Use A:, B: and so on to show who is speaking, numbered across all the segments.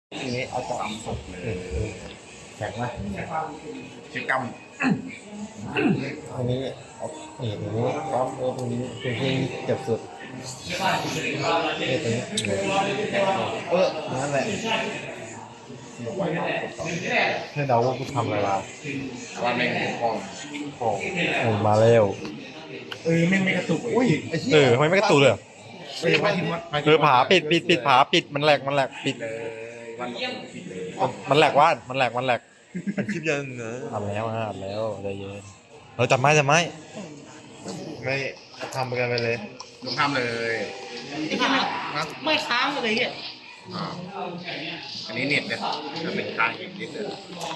A: ทีนี้เอาจับ
B: ตำสดเลย
A: แข็งไหม
B: ชื่อก
A: อันนี้เอานี่ตรงนี้ปั๊บตรงนี้ตรงที่เจ็บสุดนี่ตรงนี้นั่นแหละให้เดาว่ากูทำอะไรมา
B: ว่าแม่งคอง
A: มาแล้ว
B: แม่งไม่กระตุก
A: อุ้ย
C: ทำไมไม่กระตุกเลยผาปิดผาปิดมันแหลกปิด
B: เลยวันปิดเลย
C: มันแหลกว่ามันแหลก
A: มันคลิปยันเนอะ
C: อัดแล้วใจเย็นเราจับไม้
A: ไม่ทำกันไปเลย
B: ลงทำเลย
D: ไม่ค้างเลยเนี่ย
B: อันนี้เน็ตเนี่ยจะเป็นค้างอีกนิดเลย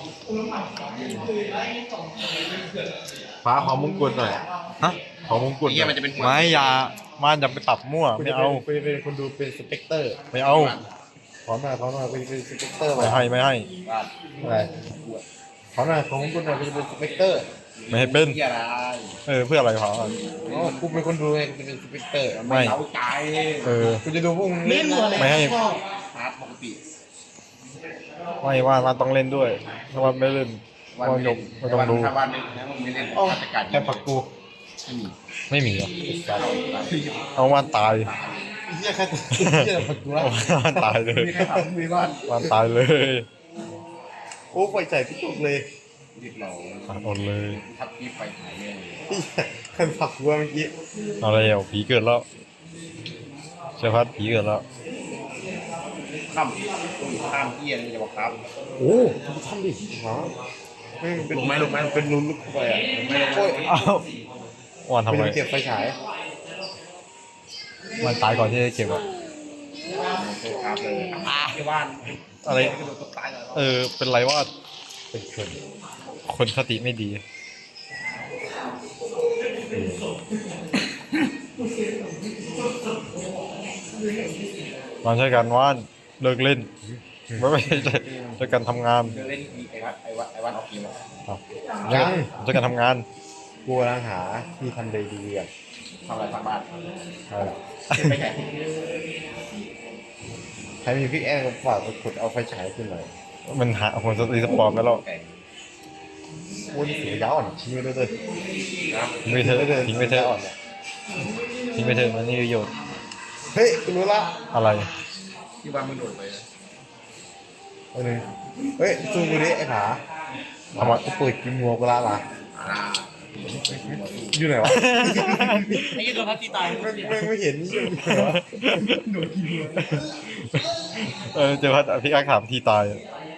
A: ฟ้าขอมงกุฎหน่อย
C: ฮะ
A: ขอมงกุฎ
B: นี่มันจะเป็น
C: ไม้ยามันจะไปปรับมั่วไม่เอา
A: เป็นคนดูเป็นสเปกเตอร์
C: ไม่เอา
A: ขอหน่อยเป็นสเปกเตอร์
C: ไม่ให้
A: อะไรขอหน่อยขอมงกุฎหน่อยเป็นสเปกเตอร์
C: ไม่ให้เป็นเพื่ออะไรขอ
A: กูเป็นคนดูไงกูเป็นสเปกเตอร์
C: ไม่
B: เล้าใจ
A: กูจะดูพวกมึง
D: เล่น
C: ไม่ให้
B: ฮาร์ดปกติ
C: ไม่ว่าต้องเล่นด้วยถ้าว่าไม่เล่นวันยกไม่ต้องดู
B: ถ้าวันนึงนะมึงไม่เล่นจัดการ
A: แค่ปักกู
C: ไม่มีหรอเอาวันตาย
A: เฮียแค่ปักกูแล้ว
C: วันตายเลยวันตายเลย
A: โอ้ไฟใจพี่ตุกเลย
B: รีบเรา
C: อดเลย
B: ทับที่ไฟถ่ายเลย
A: ใครปักกูเมื่อกี้
C: อะไรอ่ะผีเกิดแล้วเชฟพัดผีเกิดแล้ว
B: ข้ามเกียร์จะบอกครับ
A: โอ้ทำดิฮะไม่เป็นลงไหมเป็นลุ้นลุกเข้าไปอ่ะ
B: ไม่ลง
C: อ้าววันทำไม
A: เก็บไฟฉาย
C: มันตายก่อนที่จะเก็บอ่ะ
B: ครับเลยที่บ้าน
C: อะไรเป็นไรว่า
A: เป็น
C: คนสติไม่ดีมาใช้กันว่านเลิกเล่นไม่ใช่การทำงาน
B: เล่นไอ้วันออกทีม
A: ยัง
C: ใช้การทำงาน
A: กูกำลังหาที่ทำดีๆอ่ะ
B: ทำอะไรทางบ้าน
A: ไปไหนใครมีพี่แอนฝากกดเอาไฟฉายขึ้นหน่อย
C: มันหาคนสติสปอร์ตไปแล้ว
A: วุ้นเสียยาวอ่ะทิ้งไปเลย
C: ทิ้งไปเถอะทิ้งไปเถอะมันนี่ประโยชน์
A: เฮ้ยกูรู้ละ
C: อะไร
B: ที่บ้านมึงโดดไป
A: เฮ้ยซูมดูดิไอ้ผาทำไมกูเปิดกินงัวกูละล่ะอยู่ไหนวะ
D: ไอ้ยี่โดนพัดตีตาย
A: ไม่เห็นนี่อยู่ไหนวะโดนกินงัว
C: เจอพัดพี่อาถามทีตาย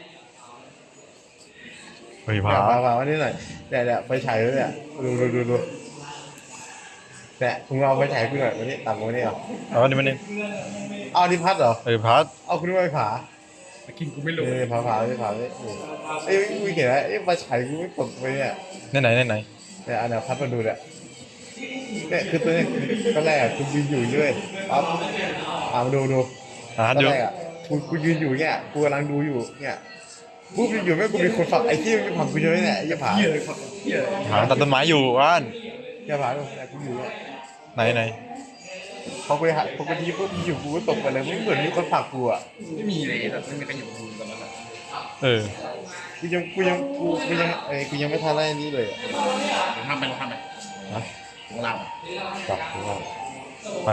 C: เฮ้ยผา
A: วันนี้หน่อยแต่ไฟฉายเลยเนี่ยดูแต่คุณเอาไฟฉายขึ้นหน่อยวันนี้ต่ำกว่านี้เหรอ
C: เอาดิมันนี่
A: เอาดิพัดเหรอ
C: พัด
A: เอาคุณไปผา
B: กินกูไม่ลง
A: ผาไม่เอ้ยกูเห็นแล้วไอ้ไฟฉายกูไม่ตกไปเนี่ย
C: ไหน
A: เนี่ยอันนี้พัดมาดูเนี่ยคือตัวนี้ก็แรกกูยืนอยู่ด้วยปั๊บมาดูตอนแรกกูยืนอยู่เนี่ยกูกำลังดูอยู่เนี่ยกูอยู่ไม่กูมีคนฝักไอ้ที่มันฝักกูเยอะเนี่ยอย่าผา
C: ตัดต้นไม้อยู่ว่าน
A: อย่าผากูอยู่
C: ไหน
A: พอกูดีปุ๊บอยู่กูตกไปเลยไม่เหมือนมีคนฝักกูอ่ะ
B: ไม่มีเลยแต่ไม่มีใครอยู่ดูตอนนั้น
A: กูยังไม่ทันอะไรนี้เลย
B: ทำไปฮะของเรา
A: จับ
C: ไป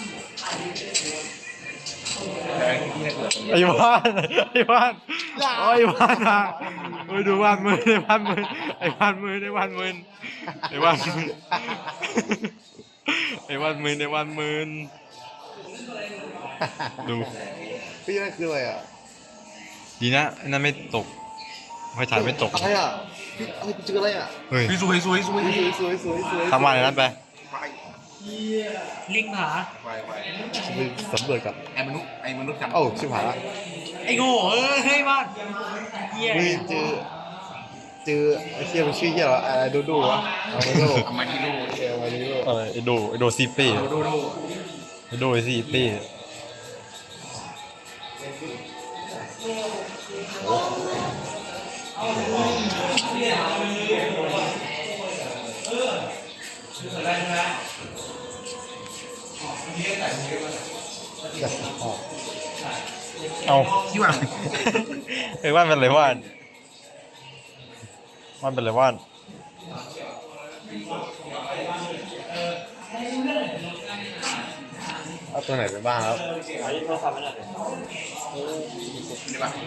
C: ไอ้บ้านนะไปดูบ้านมือไอ้บ้านมือดู
A: พี่นั่นคืออะไรอ่ะ
C: ดีนะนั่นไม่ตกไฟฉายไม่ตก
A: อะไรอ่ะพี่เจออะไรอ่ะ
C: เฮ้ย
B: สวย
C: ทำอะไรนั้นไป
D: ลิงผา
A: ไปสำรวจกับ
B: ไอ้มนุษย์กัน
A: โอ้ชิบหายละ
D: ไอ้โง่เฮ้ยบ้าน
A: เจอไอ้เชี่ยมันชื่อเชี่ยเหรออะไรดูวะ
B: อามาดิโล
C: อะไรไอโดซีเป้ไอโดซีเป้เอา
B: คิดว่า
C: ว่านเป็นไรว่านเป็นไรว่าน
A: เอาตัวไหนไปบ้างครับ
B: ดีป่ะ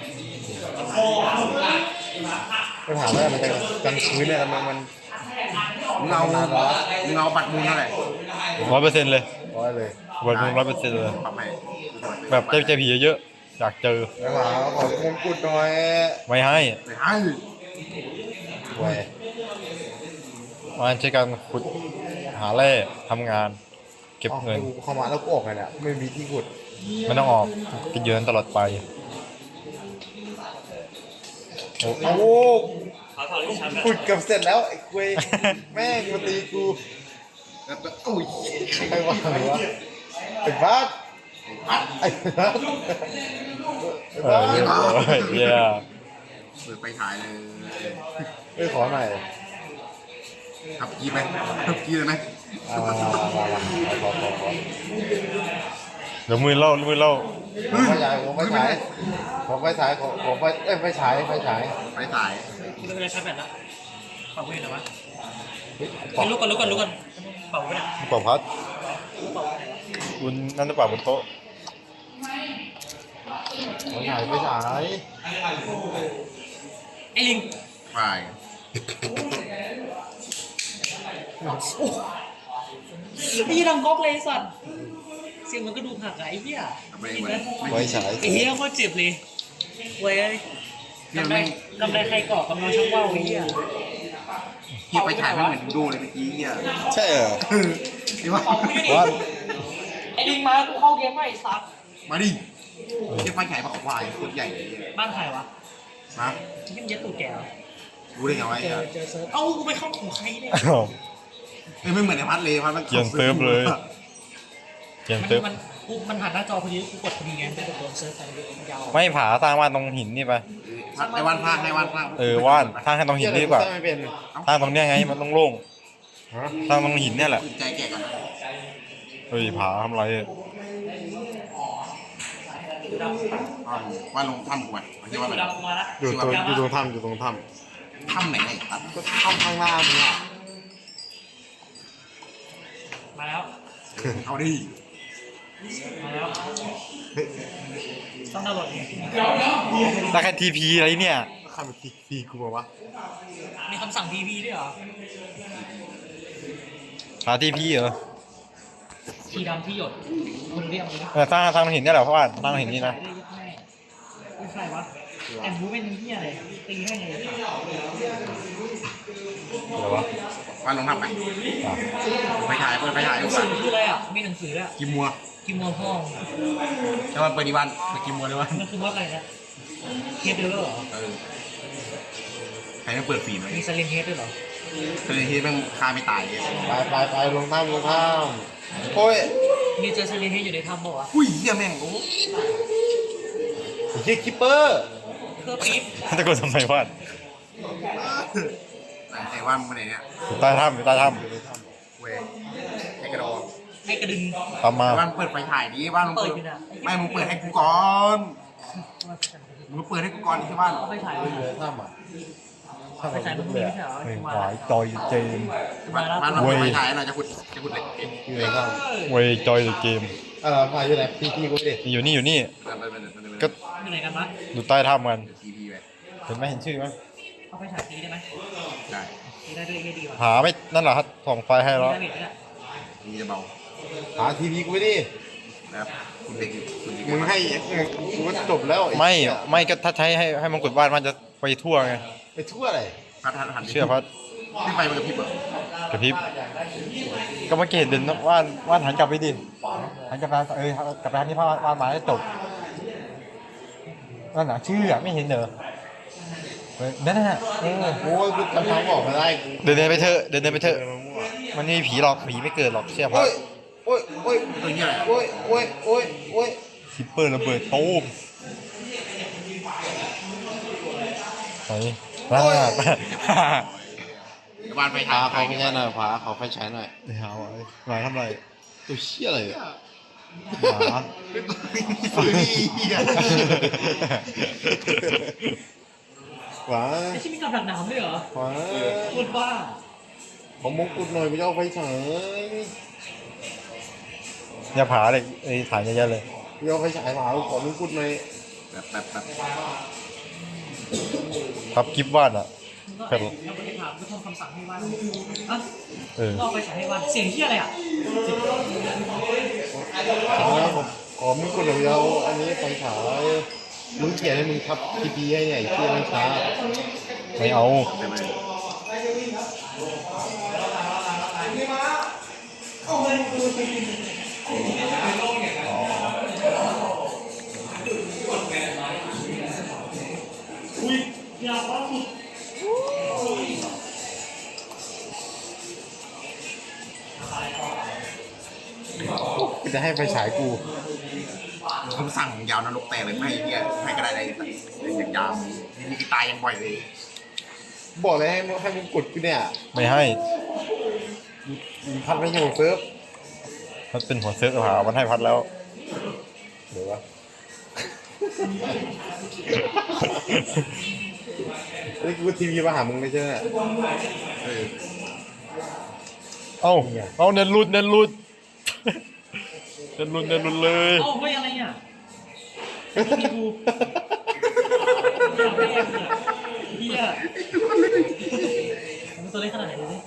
A: ไปถามว่ามันจะกลางคืนเนี่ยมัน
B: มึงเอาบัตรมูลเท่าไหร่
C: 100%เลย
A: ร้อยเลย
C: วันมึง100%เลย
B: ปรับให้
C: แบบเจอผีเยอะๆอยากเจอ
A: ไปถามขอมงกุฎหน่อย
C: ไม่ให้
B: ไปให้
A: ไว้
C: มันใช้การขุดหาแร่ทำงาน เก็บเงิน
A: อาเข้ามาแล้วกูออกไงเนี่ยไม่มีที่ขุด
C: ไม่ต้องออกกินอยู่นั้นตลอดไปโอ้
A: โอ้ขุดเกับเสร็จแล้วไอ้คุยแม่งมาตีกู
B: แล้วก็อุ้ย
A: ใครว่าหรือวะไอ้บ้าสไอ้บ้าสไอ้บ้าส
C: เย้
B: เปิดไปถ่ายเลย
A: ไปขอหน่อย
B: ขับกีไหมขับกีเลยไหม
A: ขอ
C: เดี๋ยวมือเล่า
A: ขอไฟฉายขอไฟฉายขอไฟฉายขอไฟไฟฉายไฟฉาย
B: ไปถ่าย
D: ไม่เป็นไรใช้แบตแล้วเป่าไปไหนวะไปลุกก่อนเป่าไปไหน
C: ปอบพัด
D: เป่าไปไหน
C: คุณนั่นหรือเปล่าบนโต๊ะ
A: ไฟฉายไฟฉาย
D: ไอ้ลิง
B: ไป
D: ไอ้ยี่ดังก๊อกเลยไอ้สัตว์เสียงมันก็ดูหักอะไอ้เหี้ย
B: ไป
D: กิน
B: ไป
D: นะ
A: ไฟฉาย
D: ไอ้เหี้ยโคตรเจ็บเลยเว้ยกำไรใครก่อกำลังช่างว่าวไอ้เหี้ย
B: ที่ไปถ่ายไม่เหมือนดูเลยเมื่อกี้เนี่ย
A: ใช่เหรอ
B: นี่ว่า
D: เป่าไม่ได้
A: ว่า
D: ไอ้ลิงมากูเข้าเกมไม่ไอ้สัตว์
B: มาดิที่ไปถ่ายปากควายตัวใหญ่เลย
D: บ้านใครวะ
B: นะ
D: ที่มันเย็ดตูดแก่เหรอ
B: รู้ได้ไงวะ
D: เจอเซิร์ฟเอ้ากูไปเข้าของใครเนี่ย
C: อ้าว
B: ไม่เหมือนไอ้พัดเลยพัดมัน
C: เกียนเซิร์ฟเลย เขียนเติม
D: มันหันหน้าจอพอดีกูกดพอดีไงไม่กดโดนเซิร์ฟไปยาว
C: ไม่ผาสร้างบ้านตรงหินนี่ไป
B: พัดไอ้วันพากให้วันพาก
C: ว่านสร้างให้ตรงหินนี่ดีกว่า
A: ไม่เป็น
C: สร้างตรงเนี้ยไงมันต้องโล่ง
A: ฮะ
C: สร้างตรงหินเนี่ยแหละ
B: ใจแก่กัน
C: เฮ้ยผาทำไรอะ
B: ว่าลงถ้ำกูไปที่ว่า
D: กูดำมาละ
A: อยู่ตรงถ้ำอยู่ตรงถ้
B: ถ้ำไหนไอ้พัด
A: ำก็ถ้ำข้างหน้ามึงอ่ะ
D: มาแล้ว
B: เอาดิ
D: มาแล้ว
A: เฮ้ย
D: ต้องดาวน์โหลด
C: ได้แค่ทีพีอะไรเนี่ย
A: ข้ามไปตีกูมาวะ
D: มีคำสั่ง TP ด้วยเหรอ
C: หาทีพีเหรอ
D: ทีดำที่หยดมึงเรียกมึง
C: สร้างตรงหินเนี่ยแหละเพราะว่าสร้างตรงหินนี่นะ
D: ไม่ใครวะแต่บูเป็นเหี้ยอะไรตีให้ไง
C: อะไรวะ
B: ว่าลงถ้ำไปไปถ่ายเปิดไปถ่าย
D: หนังสือคืออะไรอ่ะมีหนังสืออ่ะ
B: กิมมัว
D: กิมมอนพ่อง
B: แล้วมันเปิดดีวันเปิดกิมมัวดีวัน
D: มันคือว่าอะไรนะเฮดเดอร์เหรอ
B: ใครไม่เปิดฟีดเลย
D: มีสเลนเฮดด้วยเหรอ
B: คือที่แม่งฆ่าไม่ตายเลย
A: ไปลงถ้ำโอ้ย
D: มีเจอสเลนเฮดอยู่ในถ้ำป่าวะ
B: อุ้ยเหี้ยแม่งโอ้
A: เฮียคิปเปอร์
D: เพื่อปี๊บ
C: ตะโกนทำไมวะ
B: ไอ้ว่านมึงไปไหนเนี่ย
C: อยู่ใต้ถ้ำอยู่ใต้ถ้
B: เว้ยไอ้กระโดด
D: ให้กระดึง
C: ำตามมา
B: ว่านเปิดไฟถ่ายดิว่านมึง
D: เปิ
B: เปิ
D: ด
B: ด
D: อยู่น่ะ
B: ไม่มึงเปิดให้กูก่อนมึงเปิดให้กูก่อนที่บ้าน
D: เอาไปถ่าย
A: อยู่ในถ้ำอ่ะถ้ำ
D: ไป
A: มัน
D: ถ่ายมัน
A: เล
D: มี
A: ย
D: ไม่ใช่เหรอ
C: เฮ้ย
D: มา
C: หวายจอยเจม
D: มาแล้ว
B: บ้านมันเปิดไฟถ่ายหน่อยจะขุดเหล็ก
A: อยู่ในถ้
C: เว้ยจอยเกม
A: ำพาอยู่ไหนพี่กูดิ
C: นี่อยู่นี่อยู่นี่
B: ก็
D: อยู่ไหนกันวะ
C: อยู่ใต้ถ้ำกัน
B: ทีพีไป
C: เห็นไหมเห็นชื่อไหม
D: เอาไปถ่ายตีได้ไหม
B: ได้
D: ตีได้ด้วยดีว่ะ
C: หาไม่นั่นเหรอครับส่องไฟให้แล้ว
D: ได้เบ็ดเนี่ย
B: มีจะเบา
A: หาทีวีกูดิ
B: นะครับคุณเด็กคุณเด็ก
A: มึงให้กูก็จบแล้ว
C: ไม่ก็ถ้าใช้ให้มังกรบ้านมันจะไปทั่วไง
A: ไปทั่วอะไร
B: พัดหัน
C: เชื่อพัด
B: ขึ้นไปมันกับพี่เบิร์ด
C: กระพริบก็เมื่อกี้เห็นเดินว่านหันกลับไปดิหันกลับมากลับไปทางที่ว่านมาแล้วจบนั่นน่ะชื่อไม่เห็นเหรอนั่นน่ะ
A: โอ้ยกูจำทางบอกมาได้กู
C: เดินไปเถอะเดินไปเถอะมันไม่มีผีหรอกผีไม่เกิดหรอกเชื่อพั
A: โอ้
C: ด
A: ยโอ้ยโอ้ย
B: ตัวนี้อะไร
A: โอ้ยโอ้ยโอ้ยโอ้ย
C: คิปเปอร์ระเบิดตูมไหนลาด
B: บ้านไฟถ่า
A: พาย เขาไม่ใช่หน่อยพาเขาไฟฉายหน่อย
C: เดี๋ยวหาไว้มาทำไร
A: ตัวเชี่ยอะไรอ่ะ
C: หมา
A: หวา
D: ไอ้ที่มีกับดักหนามด้วยเหรอ
A: หวา
D: พูดบ้า
A: ของมงกุฎหน่อยไม่เอาไฟฉาย
C: อย่าผาเลยไอ้ถ่ายเยอะๆเลย
A: ไม่เอาไฟฉายเปล่าขอมงกุฎหน่อย
B: แบบ
C: พับกิฟต์วาดอ่ะ
D: ก็ไอ้แล้วไปถามก็ทำคำสั่งให้วาดอ่ะ
C: เออ
D: ก็เอาไปฉายให้วาดเสียงที่อะไรอ่ะ
A: ขอมงกุฎหน่อยไม่เอาอันนี้ไฟฉายมึงเขียนให้มึงทับทีพีให้เนี่ยไอ้เที่ยไม่ช้า
C: ไม่เอา
D: อยากว่าสุด
A: กูจะให้ไฟฉายกู
B: ผมสั่งยาวนรกแตกเลยไม่ให้เนี่ยให้กระไดอะไรอย่างยาวมีตายยังบ่อยเลย
A: บอกเลยให้มึงกดกูเนี่ย
C: ไม่ให้
A: พัดไม่อยู่เซิร์ฟ
C: มันเป็นหัวเซิร์ฟหามันให้พัดแล้ว
A: เดี๋ยววะนี่กูทีวีมาหามึงไม่ใช่ไหม
C: เอ้าเอาเน้นรุดเน้นรุด เน้นรุดเน้นรุดเลย
D: เอ้าไม่อะไรอ่ะมีกูเฮียมันตัวเล็กขนาดไหนดูดิ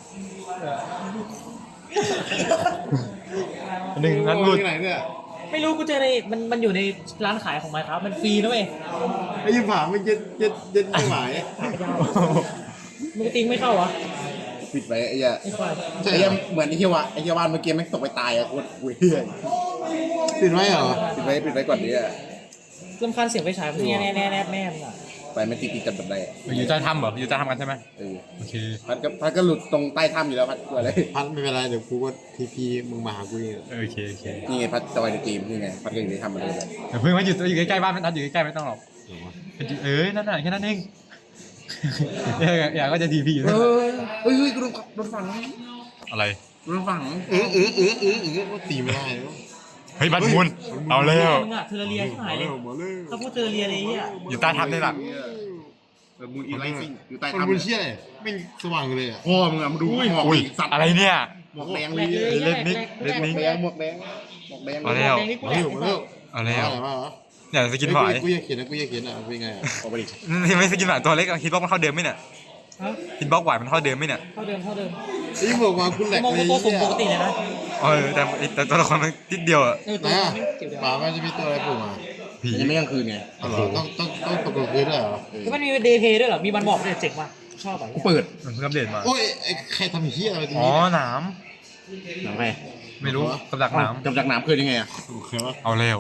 C: หนึ่งนั้นรุด
A: ที่ไหนเนี่ย
D: ไม่รู้กูเจอในมันอยู่ในร้านขายของไมค์ครับมันฟรีนะเว้ย
A: ไอ้ยี่ผามันเย็นไม่หมาย
D: มึงติงไม่เข้าวะ
B: ปิดไว้ไอ้เหี้ย
D: ไอ้ควาย
B: ไอ้เหี้ยเหมือนไอ้เหี้ยวะไอ้เหี้ยวานเมื่อกี้แม่งตกไปตายอะโคตรเหี้ย
A: ปิดไว้เหรอ
B: ปิดไว้ก่อนดิอะ
D: รำคาญเสียงไฟฉายมันแน่แม่มึงอ่ะ
B: ไปไม่ติดกันแบบใด
C: อยู่ใต้ถ้ำเหรออยู่ใต้ถ้ำกันใช่ไหมโอเค
B: พัดก็หลุดตรงใต้ถ้ำอยู่แล้วพัดกลัวเลย
A: พัดไม่เป็นไรเดี๋ยวกูก็ทีพีมึงมาหากูเอง
C: โอเคโอเค
B: นี่ไงพัดจอยในเกมนี่ไงพัดก็อยู่ในถ้ำมาเลย
C: เพิ่งมาอยู่ใกล้ๆบ้านมันอยู่ใกล้ๆไม่ต้องหรอกนั่นน่ะแค่นั้นเองอยากก็จะทีพีอยู่
B: เฮ้ยกูโดนฝัง
C: อะไร
B: โดนฝัง
A: ก็ตีไม่ได้
C: เฮ้ยบัตรมูลเอาแล้ว
D: มึงอ่ะเทอร์เรียที่หายเลย
A: มาเลย
D: ถ้าพูดเทอร์เรียเลยเนี่ย
C: อยู่ใต้ถ้ำนี่แหละ
B: มูลอีไลซิ่งอยู่ใต้
A: มัน
B: ถ้ำ
A: บุญเชี่ยเลยไม่สว่างเลยอ่ะ
B: พ่อมึงอะมาดูหมอก
C: อุ้ย
B: สัตว์
C: อะไรเนี่ย
B: หมอกแดง
D: แห
B: เล
D: ล
B: ย
D: กเลย
C: เล่นนิกเล่นนิก
B: หมอกแดง
C: เอาแล้ว
D: แดงนี่กูแหลก
C: เอาแล้ว
A: มา
C: เนี่ยสกินหวาย
A: กูอยากเขียนนะกูอยากเขียนอ่ะเป็นไง
B: ออกไปดิ
C: นี่ไม่สกินหวายตัวเล็กฮิตบล็อกมันเข้าเดิมไหมเนี่ย
D: ฮะ
C: ฮิตบล็อกหวายมันเข้าเดิมไหมเนี่ย
D: เท่าเดิม
A: ไอ้บอกว่าคุณแหลก
D: มอง
A: เลย
D: ตัวสูงปกติเลยนะ
C: แต่ตัวละครมันนิดเดียวอะ
D: ตัว
A: นะ
D: ไม่เกี่ยวเดียว
A: ป่ามันจะมีตัวอะไรโผล่มา
C: ผี
B: ยังไม่กลางคืนไง
A: อ๋อเหรอต้องตกกลางคืนด้วยเหรอ
D: แล้วมันมีเดย์เพย์ด้วยเหรอมีวันบอกด้วยเจ๋งว่ะชอบอ่ะ
B: เปิด
C: มันเพิ่งอัปเดตมา
A: โอ้ยใครทำเหี้ยอะไรตรง
C: อ๋อ
A: นี้
C: หนาม
B: หนังไง
C: ไม่รู้กับดักหนาม
B: จำจากน้ำคืนยังไงอะ
A: โอเคปะ
C: เอาแล้ว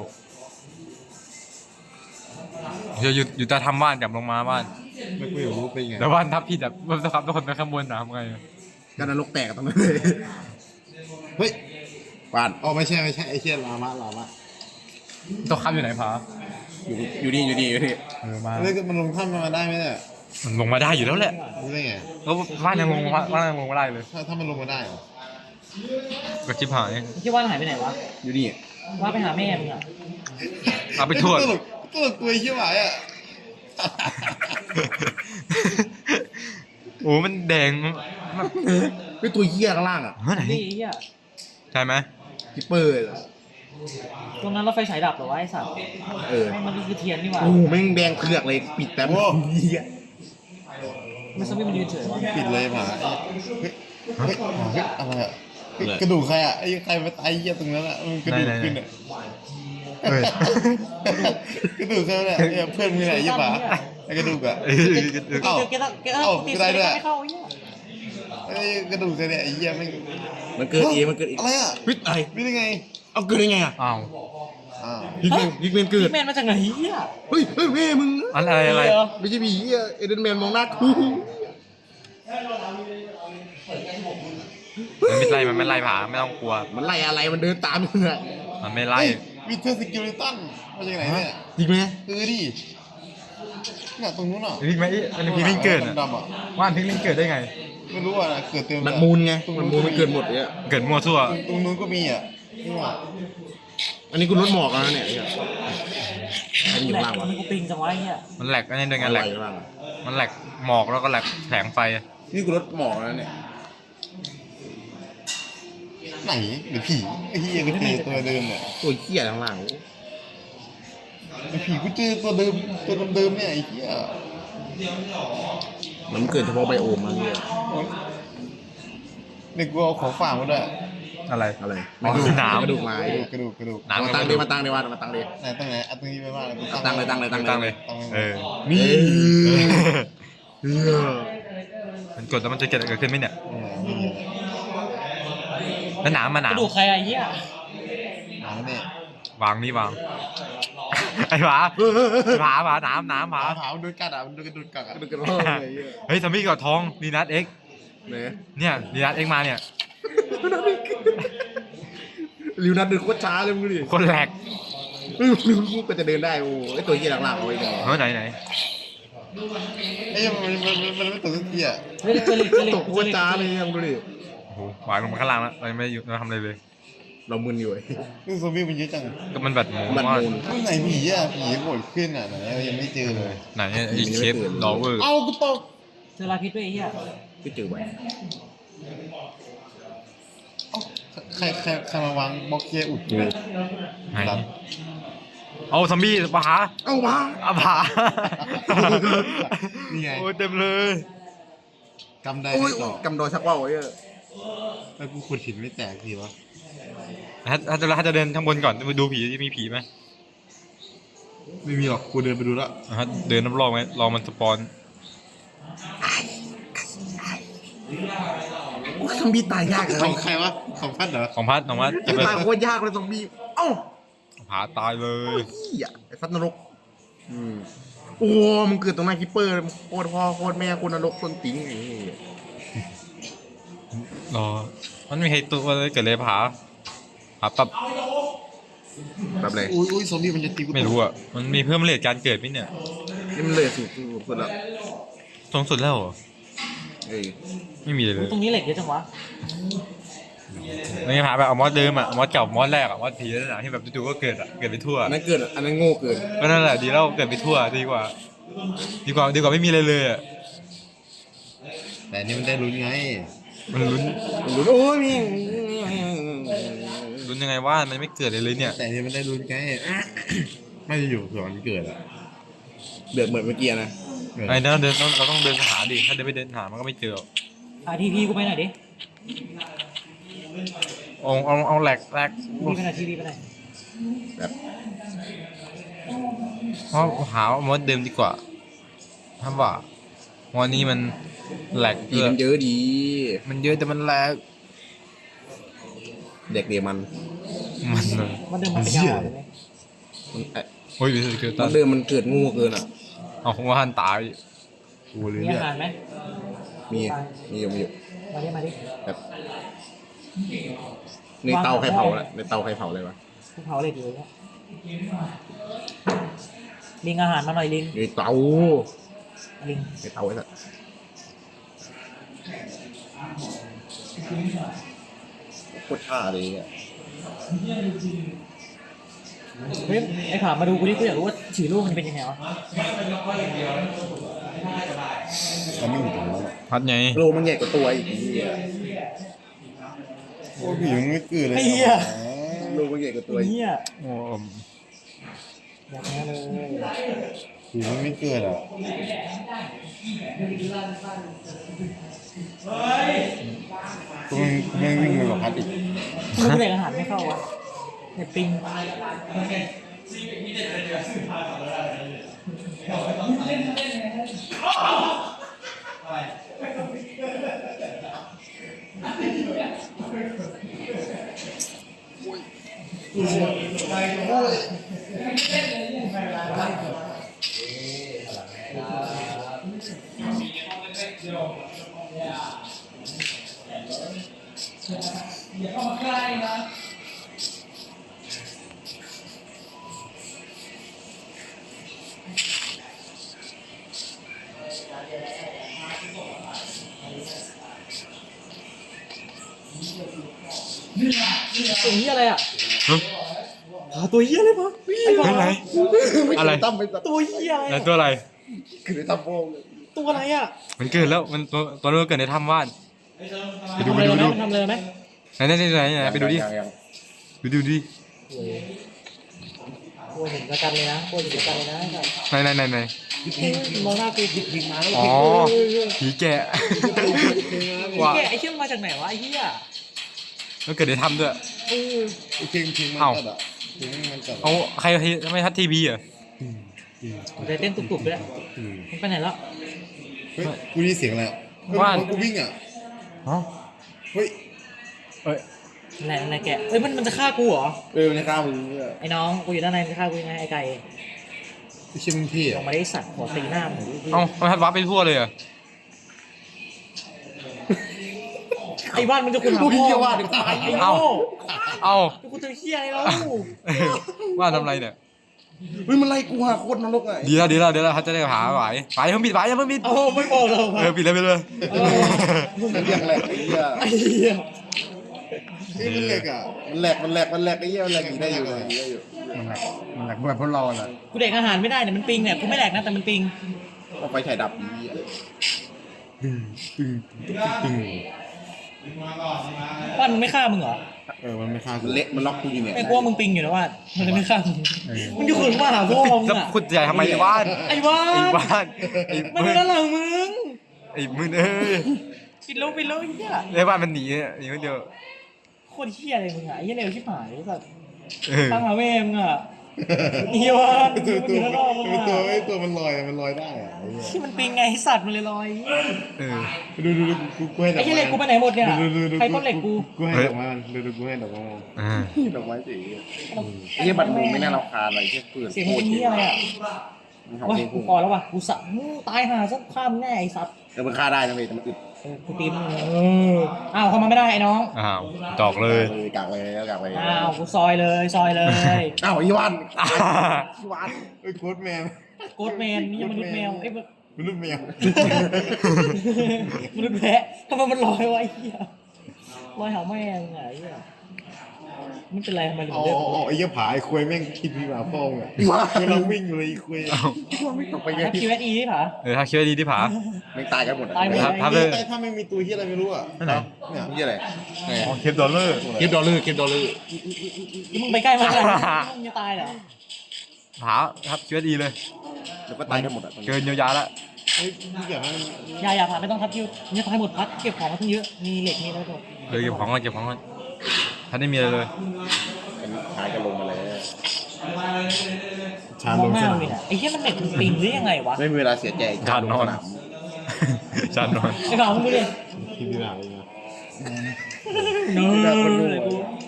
C: อยู่ใต้ถ้ำบ้านกลับลงมาบ้าน
A: ไม่กูอยากรู้เป็นไง
C: แล้วบ้านทับผิดอ่ะมันจะขับทุกคนไปข้างบนน้ำไง
B: ก็นรกแตกตรงนั้นเลย
A: เฮ้ย
B: บ้าน
A: อ๋อไม่ใช่ไอ้เชี่ยลามะ
C: ตัวขับอยู่ไหนผา
B: อยู่นี่
C: มา
A: แล้วมันลงถ้ำมาได้ไหมเนี่ย
C: มันลงมาได้อยู่แล้วแหละ
A: รู้ได้ไง
C: แล้วบ้านยังลงมาได้เลย
A: ถ้ามันลงมาได้เหรอ
C: ก็ชิบหาย
D: ที่ว่านหายไปไหนวะ
B: อยู่นี่
D: ว่าไปหาแม่มึงอ่ะ
C: เอาไปทั่ว
A: ตลกตัวเหี้ยหวายอ่ะ
C: โอ้มันแดง
B: เป็นตัวเหี้ยข้างล่างอ่ะ
C: เมื่อไหร่
D: นี่ไอ้เหี้ย
C: ใช่ไหม
B: คิปเปอร์
D: ตรงนั้นเราไฟฉายดับเหรอวะไอ้สัตว์
B: เออ
D: มันก็คือเทียนนี่หว่า
B: โอ้แม่งแดงเผือกเลยปิดแป๊บเหี้ย
D: มันสมิธมันยืนเฉยวะ
A: ปิดเลยหมาเฮ้ยอะไรอ่ะกระดูกใครอ่ะไอ้ใครมาตายเหี้ยตรงนั้นอ่ะมันกระดูกขึ้นอ่ะ
C: เฮ้ย
A: กระดูกใครเนี่ยเพื่อนมึงไหนยี่ป่าไอ้กระดูกอ่ะ เอ้า
D: เกต้องตี
A: ได้ด้วย
D: ไม่เข้าไอ้เหี้ย
A: ไอ้กระดูกใครเนี่ยไอ้เหี้ยไม่
B: มันเกิดเองมันเกิดเอง
A: อะไรอ่ะ
B: วิทอะไร
A: ไม่ได้ไง
B: เอาเกิดได้ไงอ่ะ
C: อ้าว
A: อ้าว
B: ฮิกแมนเกิด
D: แมนมาจากไหนเหี้ย
B: เฮ้ยแม่มึง
C: อะไร
B: ไม่ใช่ผีเหี้ยเอเดนแมนมองหน้ากู
C: มันไม่ไล่ผาไม่ต้องกลัว
B: มันไล่อะไรมันเดินตามมึงอะ
C: มันไม่ไล่
A: วิเทอร์สกิลิตันมาจากไหนเนี่ย
B: จริงไหม
A: ดิเนี่ยตรงนู้นอ่ะ
C: พิกไหมอันนี้พิกลิงเกิดอ่ะ
A: ดำๆอ่ะ
C: ว่านพิกลิงเกิดได้ไง
A: ไม่รู้อ่ะเกิดเต็ม
B: มันมูลไงมันมูลมันเกิดหมดเนี่ย
C: เกิดมั่วซั่ว
A: ตรงนู้นก็มีอ่ะนี่ว่ะ
B: อันนี้กูลดหมอกแล้วนะเนี่ยอันนี้อยู่
D: แหล
B: ข้าง
D: ก
B: ล่างวะ
D: มันกูปิงจังวะไอ้เหี้ย
C: มันแหลกอันนี้ด้วยไง
B: อะ
C: แห
B: ไร
C: ลก
B: อยู่ข้างล่างวะ
C: มันแหลกหมอกแล้วก็แหลกแสงไฟ
B: นี่กูลดหมอกแล้วเนี่ย
A: ไหนหรือผีไอ้เหี้ยกูเจอตัวเดิมเนี่ย
B: ตัวเหี้ยข้างล่าง
A: ไอ้ผีกูเจอตัวเดิมเนี่ยไอ้เหี้ย
B: มันเกิดเฉพาะไบโอมมาเนี่ย
A: เนี่ยกูเอาของฝากมาด้วย
C: อะไร
B: อะไร
C: อ๋อหนาม
B: กระดูกไม้
A: กระดูก
C: น้ำ
B: มาตั้งดิมาตั้งดิว่ามาตั้งดิ
A: ไหนตั้งไหนเอาตรงนี้ไปว่าแล้วกู
B: ตั้งเลยตั้งเลยตั้ง
C: ตั้ง
B: เล
C: เลย ยเออ
A: นี่
C: มันกดแล้วมันจะเกิดขึ้นไหมเนี่ย
A: นี่
C: แล้วหนามมาหนาก ม
D: ระดูกใครอะไอ้เหี้ย
A: หาเนี่ยว
C: างนี่วางไอ้หมาหมาหนามหนามหมา
A: หามันโดนกัดอ่ะมันโดนกระดูกกัดอ่ะ
B: กระดูกกระโหลกเลย
C: เฮ้ยซอมบี้กอดทองดีนัทเอ็ก
B: เนี่ย
C: เนี่ยดีนัทเอ็กมาเนี่ย
B: ลิวนัดเดินโคตรช้าเลยมึงดูดิ
C: คนแหลก
B: ลิวกูก็จะเดินได้โอ้ไอตัวเหี้ยหลังๆเอาไว้เนี่ย
C: เฮ้ยไหน
A: เอ้ยมันไม่ตกสักทีอ่ะ
D: เฮ้ยเจลิต
B: ตกโคตรช้าเลยมึงดูดิ
C: โอ้โหวางลงมาข้างล่างแล้วเราไม่ได้อยู่เราทำอะไรเลย
B: เรามึนอยู่ไอ้
A: นี่ซอมบี้มันเยอะจัง
C: ก็มันแบบหมู
B: มัน
C: มาก
B: มูน
A: ไม่ไหนผีอ่ะผีโผล่ขึ้นอ่ะไหนยังไม่เจอเลย
C: ไหนไอ้เชฟดอเวอร์
A: เอากูตก
D: เจอลาพิษด้วยไอ้เหี้ย
B: ก็เจอไว้
A: ใครมาวางบล็อกเกียร์อุดกู
C: ไหนเอาซอมบี้ปะหา
B: เอ้าวะ
C: อาผา
A: นี่ไง
C: โอ้ยเต็มเลย
A: กำได้
B: โอ้ย
A: ต่อก
B: ำดอยชักว่าวไอ้เหี้ย
A: แล้วกูขุดหินไม่แตกทีวะ
C: ถ้าจะเดินข้างบนก่อนไปดูผีที่มีผีไหม
A: ไม่มีหรอกกูเดินไปดูแล้ว
C: เดินรอบๆไหมลองมันสปอน
B: โอ้ยซอมบี้ตายยากเลย
A: ของใครวะของพัดเหรอ
C: ของพัดจะไป
B: ตายโคตรยากเลยซอมบี้เอ้า
C: ผาตายเลย
B: เหี้ยไอ้สัตว์นรกโอ้มึงเกิดตรงหน้าคิปเปอร์โคตรพ่อโคตรแม่โคตรนรกคนติ๋งไอ้เหี้ย
C: รอมันมีใครตัวอะไรเกิดเลยผาปั๊บ
B: แบบเลย
A: อุ้ยซอมบี้มันจะตีกู
C: ไม่รู้อ่ะมันมีเพิ่มเลทการเกิดไหมเนี่ย
B: นี่มันเลยสุดสุดแล้ว
C: สูงสุดแล้วเหรอ
B: เอ้ย
C: ไม่มีเลย
D: ตรงนี้เหล็กเยอะจังวะ
C: นี่ผาแบบเอามอสเดิมอ่ะมอสเก่ามอสแรกอ่ะมอสผีนั่นแหละที่แบบจู่ๆก็เกิดอ่ะเกิดไปทั่ว
B: อันนั้นเกิดอันนั้นโง่เกิน
C: ก็นั่นแหละดีแล้วเกิดไปทั่วดีกว่าไม่มีอะไรเลยอ่ะ
A: แต่นี่มันได้ลุ้นไง
C: มันลุ้น
B: โอ้ยมี
C: ลุ้นยังไงว่ามันไม่เกิดเลยเนี่ย
A: แต่นี่มันได้ลุ้นไง ไม่จะอยู่เผื่อมันเกิดอ่ะ
B: เดือดเหมือนเมื่อกี้นะ
C: ไอ้นั่นเราต้องเดินหาดิถ้าเดินไปเดินหามันก็ไม่เจอ
D: ทีพีกูไปหน่อยดิ
C: เอาแหลก
D: ทีพีไปหน่อยทีพีไปหน่อย
B: แบบ
C: เพราะหามดเดิมดีกว่าถ้าว่าวันนี้มันแหลก
B: ผีมันเยอะดี
C: มันเยอะแต่มันแหลก
B: เด็กเดียมัน
D: มันเดินมาเป็นยาวเลย
B: มัน
C: โอ้ยเกิด
B: ต
C: ตา
B: อนเดิมมันเกิดโง่เกินอ่ะ
C: เอาของว่าหันตาย
A: กูเลย
D: มี
A: เนี่
D: อาย หารไหม
B: มีอยู่
D: มาดิ
B: แบบในเตาใครเผาละในเตาใครเผาเลยวะ
D: กูเผาเหล็กอยู่เนี่ยลิงอาหารมาหน่อยลิง
B: ในเตา
D: ลิง
B: ในเตาไอ้สัสโคตรท่าเลยอ่ะ
D: เฮ้ยไอ้ขามาดูกูดิกูอยากรู้ว่าฉี่ลูกมันเป็นยังไงวะ
A: เขาไม่อยู่ตรงนั้น
C: พัดไง
B: โลมันใหญ่กว่าตัวอีกทีอ่ะ
A: โอ้ยผีมันไม่เกิดเลย
D: ไอ้เหี้ย
B: โลมันใหญ่กว่าตัวอีก
D: เหี้ย
C: โอ้
D: แบบนี้เลย
A: ผีมันไม่เกิดอ่ะ กูไม่วิ่งไปกับพัดอีก
D: ลูกเหล็กอาหารไม่เข้าวะเน็ตปิง สิ่งนี้อะไรอ่ะ
C: เฮ้ย
D: ตัวเหี้ยเลยปะไอ้ผา
C: ไหนอะไร
B: ตั้มไปตัด
D: ตัวเหี้ยอะไร
C: ไหนตัวอะไร
B: คือในตั้มโป้งเลย
D: ตัวอะไรอ่ะ
C: มันเกิดแล้วมันตัวนู้นเกิดในถ้ำว่านไปดู
D: ทำ
C: ไป
D: อะไร
C: ดู
D: ไหม
C: ดู
D: ทำอะไรไหม
C: ไหนไปดูดิ
B: ยัง
C: ดูดิ
D: โอ้ยเห็นประกันเลยนะโอ้ยเห็นประกันเลยนะ
C: ไหน
D: มองหน้ากูดิพิงมาแล้ว
C: อ๋อผีแกะ ว่า
D: แกไอ้เชี่ยมาจากไหนวะไอ้เหี้ย
C: มันเกิดในถ้ำด้วย
A: ไอ้เพียงมัน
C: เอ้า
A: ตัดอ่ะเพียงมันตัด
C: เอาใครทำไมทัดทีวีอ่ะ
D: ใจเต้นตุบๆด้วยมันไปไหนแล้ว
A: เฮ้ยกูได้ยินเสียงอะไรอ่ะ
C: ว่าน
A: กูวิ่งอ่ะ
C: อ๋อ
A: เฮ้ย
C: เอ้ย
D: อะไรแกเอ้ยมันจะฆ่ากูเหรอ
B: ในข้าวมึงเนี่ย
D: ไอ้น้องกูอยู่ด้านในมันจะฆ่ากูยังไงไอ้ไก่
A: ไอ้เชี่ยมึงพี่
D: ล
A: อ่ะ
D: งมาได้สัตว์ขอตีหน้ามึง
C: เอ้ามันทัดวับไปทั่วเลยอ่ะ
D: ไอ้บ้านมันจะคุณหาพ่อไอ้โง่
C: เอ้า
D: กูจะเหี้ยอะไรแล้ว
C: ว่าทำไรเนี่ย
B: เฮ้ยมันไล่กูหาโคตรนรกอ่ะ
C: ดีแล้วเขาจะได้หาไหวไปเพิ่งปิดอย่าเพิ่งปิด
D: เอาไม่บอกเรา
C: ปิดเลย
B: มันเรียกแหลกไอ้เหี้ย
D: ไอ้เหี้ย
A: ไอ้มันเหล็กอ่ะ
B: มันแหลกไอ้เหี้ยมันแหลกหนีได้อยู่เลยหนีได้อยู่
C: มันหลักแบบพวกเราแหละ
D: กูเด็กอาหารไม่ได้เนี่ยมันปิงเนี่ยกูไม่แหลกนะแต่มันปิง
B: เอาไฟฉายดับไอ้เหี้ย
A: ตึง
D: บ้านมันไม่ฆ่ามึงเหรอ
A: มันไม่ฆ่ากู
B: มันเละมันล็อกกูอยู่เนี่ย
D: ไอ้กลัวมึงปิงอยู่นะว่ามันเลยไม่ฆ่ามึงมันอยู่ขึงมาหาพ่อมึง
C: แล้ว
D: อ่ะ
C: คุณใหญ่ทำไมในบ้าน
D: ไอ้บ้า
C: ไอ้
D: น
C: บ้านไอ้
D: มัน
C: มึ
D: อยู่
C: ง
D: ด้านหลังมึง
C: ไอ้มึงเอ้ย
D: ปิดแล้วไอ้เหี้ย
C: ในบ้านมันหนีคนเดียว
D: โคตรเหี้ยอะไรมึงอ่ะไอ้เหี้ยเร็วชิบหายแบบ
C: เออ
D: ตั้งหาแม่มึงอ่ะอีวาน
A: ตัว
D: มันอยู่ด้านนอกมึง
A: ตัว
D: อ่ะ
A: ตัวมันลอยมันลอยได้อ่ะไอ้เหี้ย
D: ที่มันปิงไงไอ้สัตว์มันเลยลอย
C: เออ
A: ดูกูให้ดอก
D: ไอ้เหี้ยเล็กกูไปไหนหมดเนี่ยใครต้นเหล็กกู
A: กูให้ดอกไม้มันดูกูให้ดอกไม้มัน
C: อ่า
B: ดอกไม้สีไอ้เหี้ยบัตรมุงไม่น่ารำคาญอะไรเหี้ยเปื่อน
D: เสียงมันเป็นเหี้ยอะไรอ่ะ
B: มันเห่า
D: โอ้ย
B: เพลง
D: กู
B: กู
D: พอแล้วว่ะกูสะตายหาสักข้ามแน่ไอ้สัตว์
B: มันฆ่าได้นะเว้ยแต่มันอึด
D: กูตีมึงอ้าวเข้ามาไม่ได้ไอ้น้อง
C: อ้าวจอกเลย
B: กากเลยกากเลย
D: อ้าวกูซอยเลยซอยเลย
B: อ้าวอีวานอีวาน
A: เอ้ยโค้ดแมน
D: โกดแมนนี่ยังมนุษย์แมวไอ้ย
A: มนุษย์แมว
D: มนุษย์แพะทำไมมันลอยไวะไอ้เหี้ยลอยหาแม่งไงไอ้เหี้ยไม่เป็นไรทำไมถึง
A: อ๋อ
D: เลือก
A: ไอ้เหี้ยผาไอ้ควยแม่งคิดพี่มาพ่อมึงอ่ะกำลังวิ่งอยู่เลยไอ้ควย
C: อ้าว
B: ต่อไปไง
D: ถ้า QSE ที่ผา
C: ถ้าคิดว่าดีที่ผา
B: ไม่ตายกันหมด
D: ตายหมด
C: ครับเลย
A: แต่ถ้าไม่มีตัวเหี้ยอะไรไม่รู้อ่ะ
C: นั่นไหน
A: เนี่ย
B: นี่อะไร
C: อ๋อเคปดอลเลอร์
B: คลิปดอลลาร์คลิปดอลลาร์
D: มึงไปใกล้มันขนาดนี้มึงจะตายเหรอ
C: ผาครับคิดว่าดีเลย
B: เดี๋ยวก็ตายกันหมดอ่ะ
C: เกินเยียวยาละ
A: เฮ้ยพี่อยากให้มัน
D: อย่าผ่าไม่ต้องทับคิวมึงจะตายหมดพัดเก็บของมาทั้งเยอะมีเหล็กมีอะไรหมด
C: เลยเก็บของก่อนท่านไม่มีอะไรเลย
B: หายกันลงมาแล้ว
A: ชาม
D: ม
A: ล
D: อง
A: ง
D: หน้า
A: ส
D: มึ
A: นาง ม
D: เนี่ยไอ้เหี้ยมันเหล็กมันปิงหรือยังไงวะ
B: ไม่มีเวลาเสียใจ
C: จานนอน
B: สม
C: จานนอน
D: ไอ้บ่าวมึงดูดิ
A: ที่พี่หนาเลยนะ
D: เนอ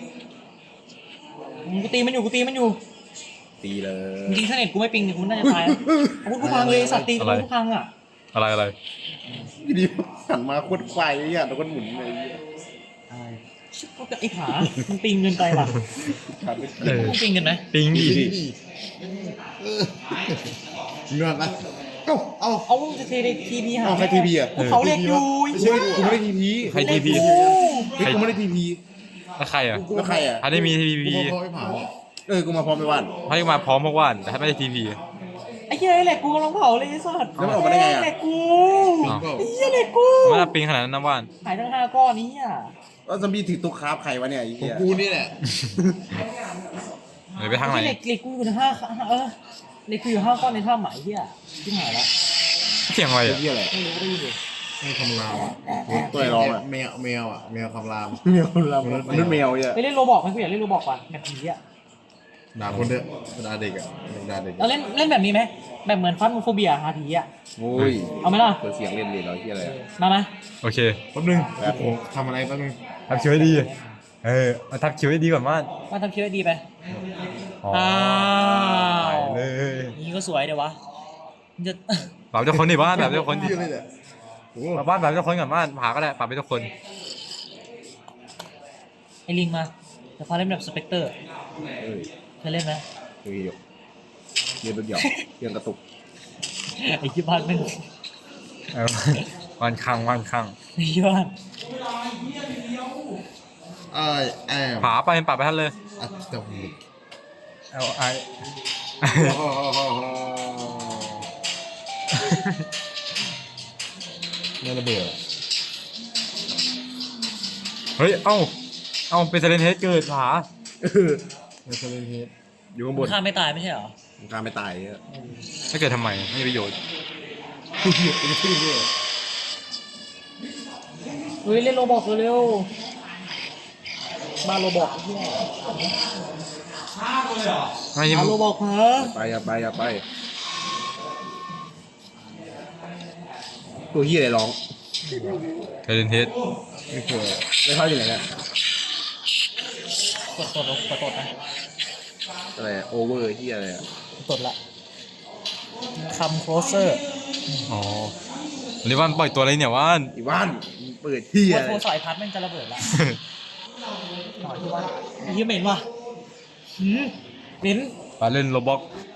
D: กูตีมันอยู่
B: ตีเลย
D: จริงๆถ้าเน็ตกูไม่ปิงเนี่ยกูน่าจะตายอาวุธกูพังเลยสัตว์ตีกูพังอ่ะ
C: อะไร
B: พี่ดีหันมาโคตรควายไอ้เหี้ยแล้วก็หมุนเลย
D: ชิบไอ้ผามันปิงเกินไปว่ะ
C: เออ
D: กูปิงกันไหม
C: ปิงดิ
A: เงินนะเอ้า
D: เอาจะเทในทีพีหา
B: เอาใครทีพีอ่ะ
D: เขาเล็กอยู่
B: ไม่ใช่กูไม่ได้ทีพี
C: ใครทีพี
B: เฮ้ยกูไม่ได้ทีพี
C: แล้วใครอ่ะ
B: แล้วใครอ่ะ
C: ท่านได้มีที
A: กู
C: พี
A: พอไอ้ผา
B: กูมาพร้อมไปว่าน
C: ให้มาพร้อมพวกว่านแต่ถ้าไม่ได้ทีพี
D: ไอ้เหี้ยเหล็กกูกำลังเผาเลยไอ้สัตว์
B: แล้วมันออกมาได้ไงอ่ะ
D: เหล็กกู
C: อ้าว
D: ไอ้เหี้ยเหล็กกู
C: ไม่ได้ปิงขนาดนั้นนะว่าน
D: หายทั้ง5ก้อนนี้อ่ะ
B: แล้วซอมบี้ถือตุ๊กคราฟใครวะเนี่ยไอ้
A: ของ
B: เหี้ย
A: กูนี่แหละ
C: เดี๋ยวไปทางไหน
D: เหล็กกูอยู่ในเหล็กกูอยู่5ก้อนในถ้ำหมายเหี้ยที่หายแล้ว
C: เสียงอะไรอ่ะ
B: เหี้ยอะไร
D: ไม่รู้ได้ยินเลย
A: ไม่คำรามอ่ะ
B: ตัวไหนร้องอ่ะ
A: แมวอ่ะแมวคำราม
B: แมวมนุษย์แมวเหี้ย
D: ไปเล่นโรบอกไหมกูอยากเล่นโรบอกว่ะแบบผีอ่ะ
A: ด่าคนเด้อด่าเด็กอ่ะด่าเด็ก
D: เราเล่นแบบนี้ไหมแบบเหมือนฟันโฟเบียหาผีอ่ะ
B: โอ้ย
D: เอาไหมล่ะ
B: เปิดเสียงเล่นเลยเหรอเหี้ยอะไร
D: มาไหม
C: โอเค
A: แป๊บนึงโอ้โหทำอะไรแป๊บนึง
C: ทำคิวให้ดีมาทำคิวให้ดีก่อนว่าน
D: มาทำคิวให้ดีไป
C: อ๋อ
D: อ้าว
C: ไปเลย
D: นี่ก็สวยเดี๋ยววะมันจะ
C: ปรับเจ้าคนดิบ้านแบบเจ้าคนดิ
A: เหี้ยเลยเนี่ยโอ้โห
C: บ้านแบบเจ้าคนก่อนบ้านผาก็ได้ปรับไปเจ้าคน
D: ไอ้ลิงมาแต่พาเล่นแบบสเปกเตอร์
B: เอ้ย
D: เคยเล่นไหม
B: เฮ้ยเรียนรถหยอกเรียนกระตุก
D: ไอ้ที่บ้านแม่ง
C: วันคัง
D: ไอ้ที่บ้าน
A: แอม
C: ผาไปปรับไปท่านเลย
A: อัตตมิ
C: เอาไอ
A: เนี่ยระเบิด
C: เฮ้ย เอ้าเป็นเซเลนเฮดเกิดผา
A: เนี่ยเซเลนเฮด
B: อยู่ข้างบน
D: ฆ่าไม่ตายไม่ใช่เหรอ
B: กลารไม่ตายเหี้ย
C: ถ้าเกิดทำไมไม่มีประโยชน์
D: เฮ้ยเล่นโรบอกเร็วๆมาโรบอกเฮีย
C: ไม่
D: มาโรบอกเหรอ
B: อย่าไปตัวเฮียอะไรร้อง
C: เซเลนเฮด
A: ไม่เคย
B: ไม่เข้าอยู่ไหนเนี่ย
D: กดนะ
B: อะไรโอเวอร์เฮียอะไรอ่ะ
D: กดละคำ closer
C: อ๋อวันนี้ว่านปล่อยตัวอะไรเนี่ยว่าน
B: อีว่านเปิดเฮีย
D: ว่าโทรสายพัดแม่งจะระเบิดละหน่อยที่ว่าไอ้เหี้ยเหม็นว่ะหืมเหม็น
C: มาเล่นโรบ็อก